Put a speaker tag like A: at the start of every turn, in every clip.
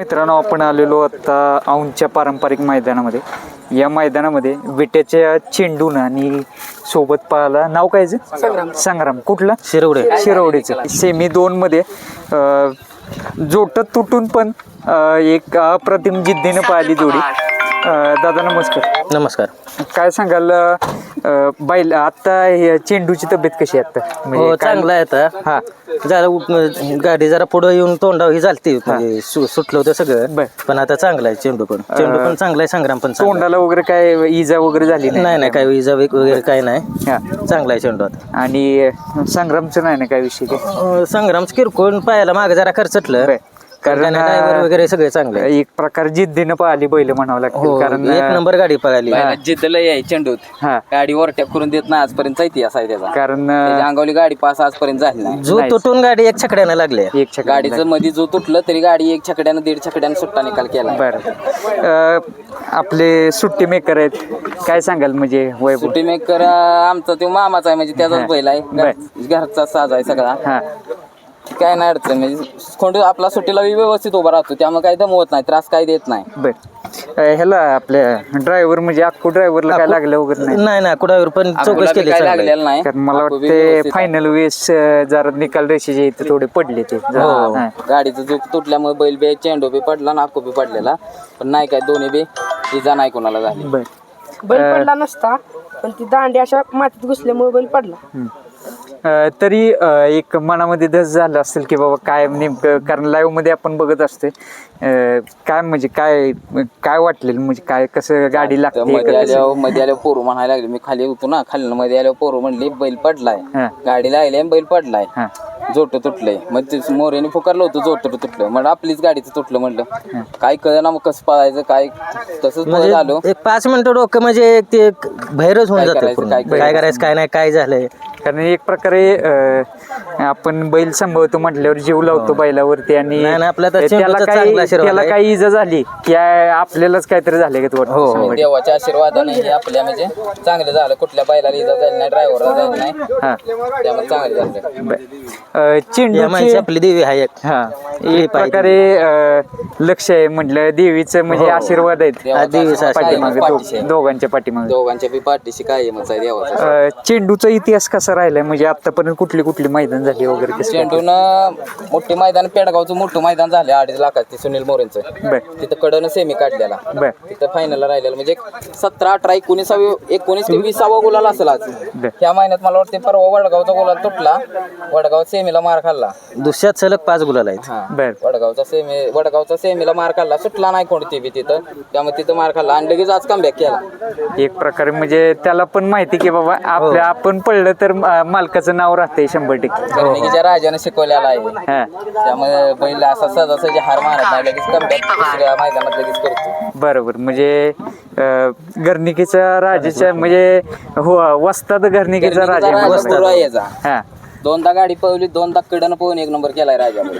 A: मित्रांनो, आपण आलेलो आता औंधच्या पारंपरिक मैदानामध्ये. या मैदानामध्ये विट्याच्या चेंडून आणि सोबत पाहायला नाव काय संग्राम कुठला शिरवडेचं सेमी 2 मध्ये जोटत तुटून पण एक अप्रतिम जिद्दीनं पाहिली जोडी. दादा नमस्कार. काय सांगाल बैल आता चेंडूची तब्येत कशी आहे आता?
B: हो, चांगला आहे आता. हा, जरा गाडी जरा पुढे येऊन तोंडावर ही झालती, म्हणजे सुटलं होतं सगळं, पण आता चांगला आहे. चेंडू पण चांगला आहे, संग्राम पण
A: तोंडाला वगैरे काय इजा वगैरे झाली
B: नाही? काय इजा वगैरे काय नाही, चांगला आहे चेंडू आता.
A: आणि संग्रामचं नाही ना काय विषय?
B: संग्राम किरकोळ पायाला मागे जरा खर्चटलं, कारण वगैरे सगळे चांगले.
A: एक प्रकार जिद्दीनं पाहिली बैल म्हणावं लागतं, कारण
B: एक नंबर गाडी पळाली.
C: जिद्दला आहे चेंडूत, गाडी ओव्हरटेक करून देत नाही आजपर्यंत. इतिहास आहे त्याचा,
A: कारण
C: अंगावली गाडी पास आजपर्यंत झाली नाही.
B: जो तुटून गाडी एक छकड्यानं लागले.
C: गाडीचं मध्ये जो तुटलं तरी गाडी एक छकड्यानं 1.5 छकड्यानं सुट्टा निकाल केला.
A: बरं, आपले सुट्टी मेकर आहेत, काय सांगाल? म्हणजे
C: सुट्टी मेकर आमचा तो मामाचा आहे, म्हणजे त्याचाच बैल आहे, घरचा साज आहे सगळा. काय नाही अडचण, म्हणजे खोंड आपला सुट्टीला व्यवस्थित उभा राहतो, त्यामुळे काही दमवत नाही, त्रास काही देत नाही.
A: बरं, ह्याला आपल्या ड्रायव्हर म्हणजे अक्कू ड्रायव्हरला काय लागलं वगैरे
B: नाही? अक्कू ड्रायव्हर पण चौकशी केली,
C: काय लागलेलं नाही.
A: कारण मला वाटते फायनल वेळेस जरा निकाल रेषेचे इथे थोडे पडले ते.
C: गाडीचं जो तुटल्यामुळे बैल बी चेंडू बी पडला ना अक्कू बी पडलेला, पण नाही काय दोन्ही बी इजा नाही कोणाला झाली.
D: बैल पडला नसता, पण ती दांडी अशा मातीत घुसल्यामुळे बैल पडला.
A: तरी एक मनामध्ये धस झालं असेल की बाबा काय नेमकं, कारण लाईव्ह मध्ये आपण बघत असते, काय म्हणजे काय वाटलेलं, म्हणजे काय कसं गाडी लागते?
C: मध्ये आल्यावर पोरू म्हणायला लागले, मी खाली होतो ना, खाली मध्ये आल्यावर पोरू म्हणली बैल पडलाय, गाडी लागली बैल पडलाय, जोट तुटलंय. मग मोरेने फुकारलं होतं जोट तुटलं, म्हणजे आपलीच गाडीचं तुटलं. म्हणलं काय कळ ना, मग कसं पळायचं काय, तसंच झालो.
B: एक 5 मिनिटं डोकं म्हणजे ते बाहेरच होऊन जातं, काय करायचं काय नाही, काय झालंय.
A: कारण एक प्रकारे आपण बैल सांभाळतो म्हटल्यावर जीव लावतो बैलावरती, आणि त्याला काही इजा झाली की आपल्यालाच काहीतरी झाले का?
C: देवाच्या आशीर्वादाने हे आपल्या म्हणजे चांगलं झालं, कुठल्या बैलाला इजा झाली नाही, ड्रायव्हरला झाली नाही, त्यामुळे चांगलं झालं.
A: चेंडूची
B: आपली देवी आहे
A: एक प्रकारे लक्ष आहे म्हटलं देवीचं, म्हणजे आशीर्वाद आहेत पाठीमागे, दोघांच्या
C: बी पाठीशी काय देवाचा.
A: चेंडूचा इतिहास कसा राहिलाय, म्हणजे आतापर्यंत कुठली मैदान झाली वगैरे?
C: चेंडून मोठे मैदान, पेडगावचं मोठं मैदान झाले 2.5 लाखाचं, सुनील मोरेंचं. तिथं कडनं सेमी काढलेला, तिथं फायनलला राहिलेला, म्हणजे 17, 18, 19 ते 20 गुलाल असेल आज. ह्या महिन्यात मला वाटतं परवा वडगावचा गुलाल तुटला, वडगाव सेमीला मार खाल्ला.
B: दुसऱ्यात सलग 5 गुलाल आहेत.
C: वडगावचा सेमीला मार खाल्ला, सुटला नाही कोणती बी तिथं, त्यामुळे तिथं मार खाल्ला आणि लगेच आज कमबॅक केला.
A: एक प्रकारे म्हणजे त्याला पण माहिती की बाबा आपण पडलं तर मालकाचं नाव राहते 100%.
C: गर्णिकीच्या राजाने शिकवलेला आहे, त्यामुळे बैल असा सहजासहजी हार मारत नाही, लगेच कमबॅक दुसऱ्या मैदानात लगेच करतो.
A: बरोबर, म्हणजे गर्णिकीच्या राजाच्या म्हणजे वस्ताद गर्णिकीचा राजा.
C: 2दा गाडी पळवली, 2दा कडनं पळून 1 नंबर केलाय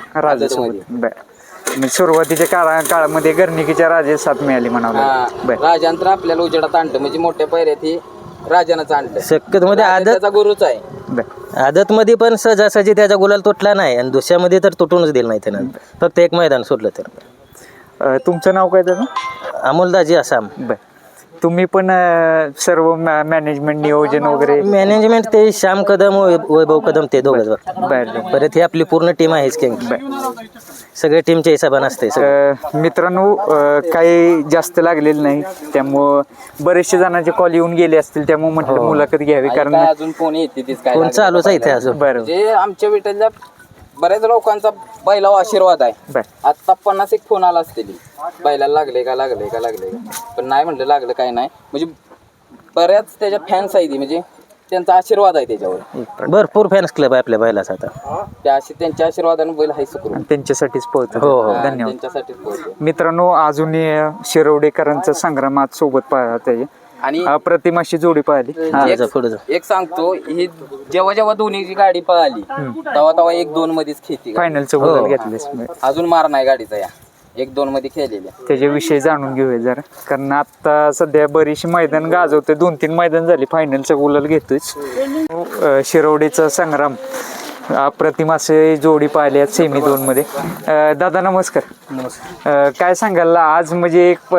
A: राजासोबत. सुरुवातीच्या काळामध्ये गर्णिकीच्या राजा साथ मिळाली म्हणावं.
C: राजांतर आपल्याला उजेडात आणलं, म्हणजे मोठ्या पैऱ्यात ही राजानंच आणलं.
B: शक्यतो मध्ये
C: आदतचा गुरुच आहे.
B: आदत मध्ये पण सहजासहजी त्याचा गुलाल तुटला नाही, आणि दुसऱ्यामध्ये तर तुटूनच दिलं नाही त्यानं, फक्त एक मैदान सोडलं तर.
A: तुमचं नाव काय त्याचं?
B: अमोलदाजी आसाम.
A: तुम्ही पण सर्व मॅनेजमेंट, नियोजन वगैरे?
B: मॅनेजमेंट ते श्याम कदम, वैभव कदम, ते दोघंच. परत ही आपली पूर्ण टीम आहेच, सगळ्या टीमच्या हिशोबाने असते.
A: मित्रांनो, काही जास्त लागलेलं नाही, त्यामुळं बरेचशे जणांचे कॉल येऊन गेले असतील, त्यामुळे म्हटलं मुलाखत घ्यावी, कारण
C: अजून फोन येते
B: फोन चालूच आहे इथे अजून.
C: म्हणजे आमच्या विठ्ठलच्या बऱ्याच लोकांचा बैलावर आशीर्वाद आहे. आता 50 फोन आला असतील, बैलाला लागले का, पण नाही म्हटलं लागलं काय नाही, म्हणजे बऱ्याच त्याच्या फॅन्स आहेत, म्हणजे त्यांचा आशीर्वाद आहे त्याच्यावर.
B: भरपूर फॅन्स क्लब आहे आपल्या बैलाचा आता,
C: त्यांच्या आशीर्वादाने बैल हाय सुकरून
A: त्यांच्यासाठीच पळतो. धन्यवाद.
C: त्यांच्यासाठीच पळतो.
A: मित्रांनो, अजून शिरवडेकरांचा संग्रामात सोबत पाहता आणि अप्रतिम अशी जोडी पाहिली.
C: एक सांगतो, ही जेव्हा दोन्हीची गाडी पळाली तेव्हा 1-2 मध्येच खेती
A: फायनलचं गोल घेतलं,
C: अजून मार नाही गाडीचा, या 1-2 मध्ये खेळलेल्या.
A: त्याच्याविषयी जाणून घेऊया जरा, कारण आता सध्या बरीचशी मैदान गाजवतोय, 2-3 मैदान झाली, फायनलचा गुलाल घेतोय. शिरवडेचा संग्राम अप्रतिम असे जोडी पाहिले आहेत सेमी 2 मध्ये. दादा नमस्कार. काय सांगाल आज म्हणजे एक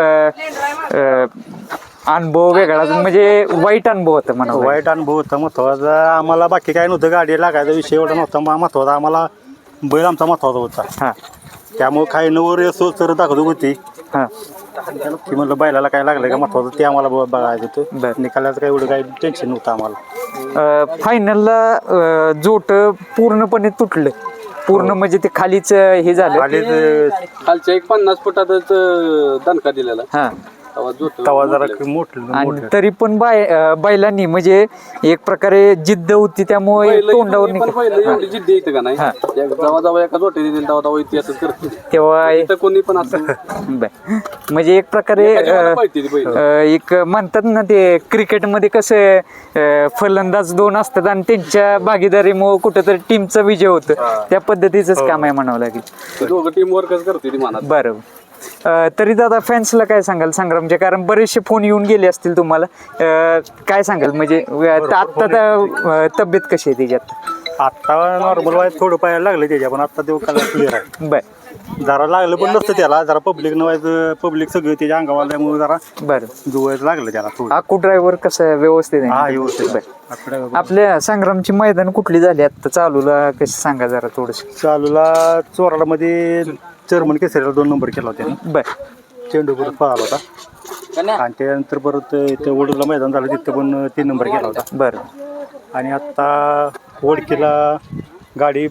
A: अनुभव वेगळा म्हणजे वाईट अनुभव होता म्हणा.
E: वाईट अनुभव होता महत्वाचा. आम्हाला बाकी काय नव्हतं, गाडी लागायचा विषय एवढा नव्हता. महत्वाचा आम्हाला बैल आमचा महत्वाचा होता.
A: हा
E: त्यामुळे काही नवर असो तर दाखवत होती
A: हा
E: की म्हणलं बैलाला काय लागलं का महत्वाचं ते आम्हाला बघायचं होतं. निकालाचं काही एवढं काही टेन्शन नव्हतं आम्हाला.
A: फायनलला जोट पूर्णपणे तुटलं. पूर्ण म्हणजे ते खालीच हे झालं.
F: खालच्या 50 फुटातच दणका दिलेला.
A: हा
E: तवा जरा मोठं
A: आणि तरी पण बैलांनी म्हणजे एक प्रकारे जिद्द होती त्यामुळे तोंडावर
F: एवढी जिद्द येते का नाही, जेव्हा जेव्हा एका जोटे देतील तेव्हा इतिहासच करते.
A: तेव्हा
F: कोणी पण असं
A: म्हणजे एक प्रकारे एक म्हणतात ना ते क्रिकेटमध्ये कसं फलंदाज 2 असतात आणि त्यांच्या भागीदारीमुळे कुठेतरी टीमचा विजय होतो. त्या पद्धतीचंच काम आहे म्हणावं लागेल.
F: दोघं टीम वर्कच करते ती मनात.
A: बरोबर. तरी दादा फॅन्सला काय सांगाल संग्रामचे, कारण बरेचसे फोन येऊन गेले असतील तुम्हाला, काय सांगाल म्हणजे आता तब्येत कशी आहे त्याच्यात?
E: आता नॉर्मल व्हायचं थोडं पाहायला लागलं त्याच्या, पण आता ते क्लिअर आहे.
A: बर
E: जरा लागलं पण नसतं त्याला, जरा पब्लिक नव्हायचं, पब्लिक सगळं त्याच्या अंगावर आल्यामुळे जरा
A: बरं
E: जुवायचं लागलं त्याला थोडं.
A: आकू ड्रायव्हर कसं व्यवस्थित आहे?
E: हा व्यवस्थित.
A: आपल्या संग्रामची मैदान कुठली झाली आता चालूला कसं सांगा जरा थोडस.
E: चालूला चोराला मध्ये चेअरमन केसरीला 2 नंबर केला होता.
A: बर
E: चेंडू परत पळाला होता आणि त्यानंतर परत इथं वडूला मैदान झालं तिथं पण 3 नंबर केला होता.
A: बरं.
E: आणि आता वडकीला गाडी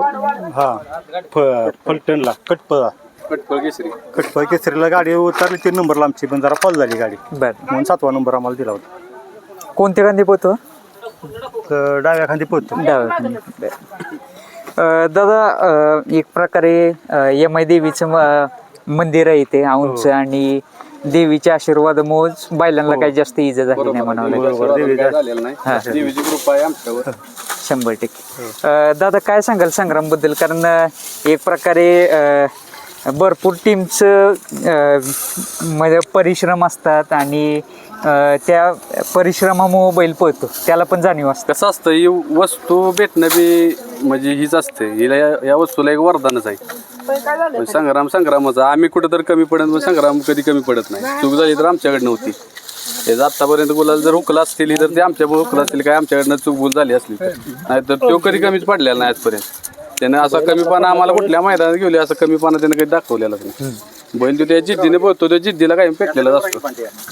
E: फलटणला
F: कटपळ केसरी
E: कटपळ केसरीला गाडी उतरली 3 नंबरला आमची, पण जरा फॉल झाली गाडी
A: बर
E: म्हणून 7वा नंबर आम्हाला दिला होता.
A: कोणत्या गांधी पोहतो?
E: तर डाव्या खांदी पोहतो.
A: दादा एक प्रकारे यमाई देवीचं मंदिर आहे ते औंधचं आणि देवीच्या आशीर्वादामुळे बैलांना काही जास्त इजा झाली नाही म्हणावं लागेल.
F: देवीची कृपा आहे आमच्यावर
A: 100%. दादा काय सांगाल संग्राम बद्दल, कारण एक प्रकारे भरपूर टीमचं म्हणजे परिश्रम असतात आणि त्या परिश्रमामुळे बैल पळतो, त्याला पण जाणीव असते.
F: कसं असतं ही वस्तू भेटणं बी म्हणजे हीच असते, हिला या वस्तूला एक वरदानच आहे. संग्रामच आम्ही कुठं तर कमी पडत, पण संग्राम कधी कमी पडत नाही. चूक झाली तर आमच्याकडे नव्हती. हे आतापर्यंत गुलाल जर हुकला असतील तर ते आमच्यामुळे हुकला असतील, काय आमच्याकडनं चूक भूल झाली असली नाही तर तो कधी कमीच पडलेला नाही आजपर्यंत. त्यानं असा कमीपणा आम्हाला कुठल्या मैदानात घेऊन असं कमीपणा त्यानं कधी दाखवलेलाच नाही. बैल तो त्या जिद्दीने पळतो, त्या जिद्दीला काही पेटलेलाच असतो.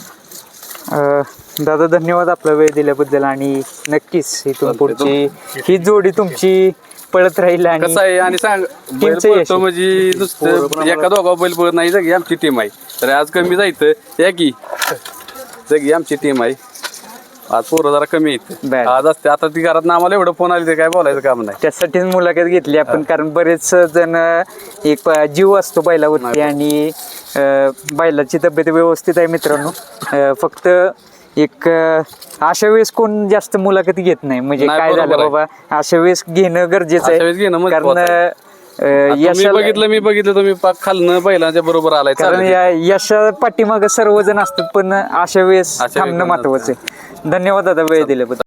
A: दादा धन्यवाद आपला वेळ दिल्याबद्दल आणि नक्कीच इथून पुढची ही जोडी तुमची पळत राहील. आणि
F: कसं आहे आणि सांग बैल पळतो म्हणजे नुसतं एका दोघा बैल पळत नाही, जगी आमची टीम आहे. तर आज कमी जायचं या की जगी आमची टीम आहे. आज पोरं जरा कमी आहेत आज असते. आता ती घरात आम्हाला एवढं फोन आले ते काय बोलायचं काम नाही.
A: त्यासाठीच मुलाखत घेतली आपण, कारण बरेच जण एक जीव असतो बैलावरती आणि बैलाची तब्येत व्यवस्थित आहे मित्रांनो. फक्त एक अशा वेळेस कोण जास्त मुलाखती घेत नाही, म्हणजे काय झालं बाबा अशा वेळेस घेणं गरजेचं आहे. कारण
F: मी बघितलं तुम्ही खालनं बैलांच्या बरोबर आलाय.
A: कारण यशा पाठीमागं सर्वजण असतात, पण अशा वेळेस थांबणं महत्वाचं आहे. धन्यवाद दादा वेळ दिल्याबद्दल.